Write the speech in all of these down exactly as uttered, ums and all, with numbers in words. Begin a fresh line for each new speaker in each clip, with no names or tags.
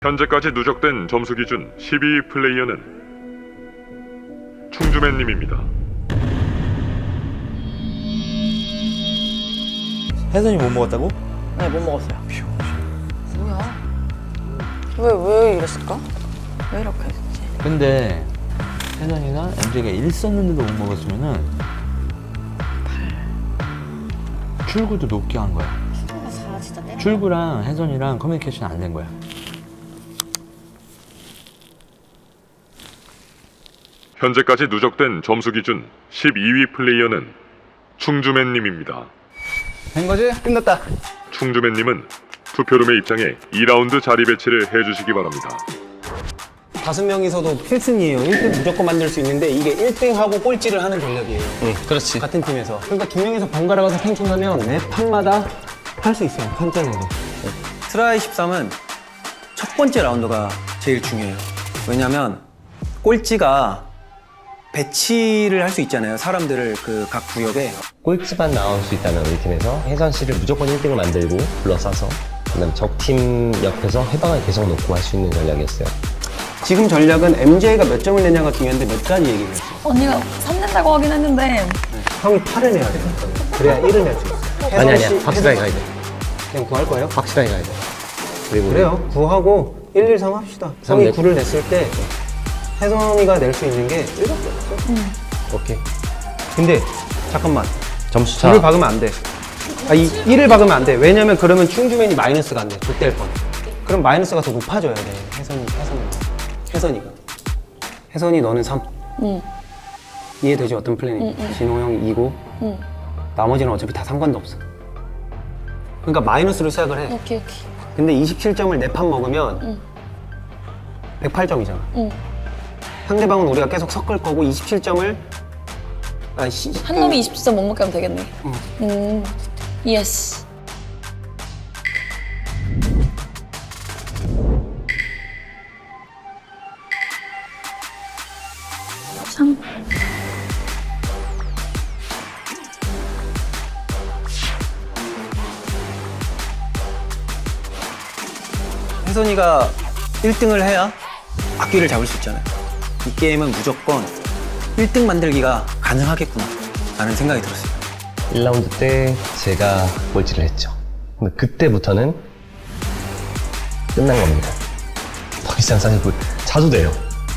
현재까지 누적된 점수 기준 십이 위 플레이어는 충주맨님입니다.
혜선이 못 먹었다고?
네, 못 먹었어요. 뭐야? 왜, 왜 이랬을까? 왜 이렇게 했지?
근데 혜선이가 엠제이가 일 썼는데도 못 먹었으면은 출구도 높게 한 거야.
출구가 사 진짜 때려.
출구랑 혜선이랑 커뮤니케이션 안 된 거야.
현재까지 누적된 점수 기준 십이 위 플레이어는 충주맨님입니다.
된 거지? 끝났다.
충주맨님은 투표룸에 입장해 이 라운드 자리 배치를 해주시기 바랍니다.
다섯 명이서도 필승이에요. 일 등 무조건 만들 수 있는데 이게 일 등하고 꼴찌를 하는 전략이에요.
응, 그렇지.
같은 팀에서. 그러니까 두 명이서 번갈아 가서 탱킹하면 매 판마다 할 수 있어요. 판정으로.
트라이 십삼은 첫 번째 라운드가 제일 중요해요. 왜냐면 꼴찌가 배치를 할 수 있잖아요. 사람들을 그 각 구역에.
꼴찌만 나올 수 있다면 우리 팀에서 혜선 씨를 무조건 일 등을 만들고 둘러싸서 그다음 적팀 옆에서 해방을 계속 놓고 할 수 있는 전략이었어요.
지금 전략은 엠제이가 몇 점을 내냐가 중요한데 몇 가지 얘기를 했어요.
언니가 삼 낸다고 하긴 했는데
형이 팔을 내야 돼요. 그래야 일을 낼 수 있어요.
아니
혜선
아니야.
씨,
확실하게
혜선-
가야 돼.
그냥 구할 거예요?
확실하게 가야 돼. 그리고
그래요. 구하고 일, 일, 삼 합시다.
삼
형이
낼-
구를 냈을 때 혜선이가 낼 수 있는 게 일밖에 없어.
오케이.
근데 잠깐만.
점수 차.
구를 박으면 안 돼. 아, 이 일을 박으면 안 돼. 왜냐면 그러면 충주맨이 마이너스가 안 돼. 좆될 뻔. 그럼 마이너스가 더 높아져야 돼. 혜선이, 혜선이. 혜선이가. 혜선이 너는 삼.
응.
이해되지? 어떤 플랜이?
응, 응.
진호 형이 이고
응.
나머지는 어차피 다 상관도 없어. 그러니까 마이너스로 시작을 해.
오케이 오케이.
근데 이십칠 점을 네 판 먹으면
응.
백팔 점이잖아.
응.
상대방은 우리가 계속 섞을 거고 이십칠 점을 아, 시,
한 놈이 이십칠 점 못 먹게 하면 되겠네. 음. 예스. 삼.
혜선이가 일 등을 해야 앞뒤를 잡을 수 있잖아요. 이 게임은 무조건 일 등 만들기가 가능하겠구나 라는 생각이 들었어요.
일 라운드 때 제가 꼴찌를 했죠. 근데 그때부터는 끝난 겁니다. 더 이상 사실 뭐 자주 돼요.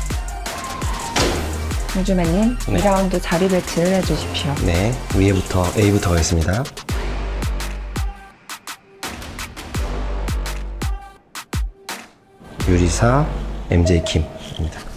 우주맨님,
네.
이 라운드 자리 배치를 해주십시오.
네, 위에부터 A부터 가겠습니다. 유리사, 엠제이 킴입니다.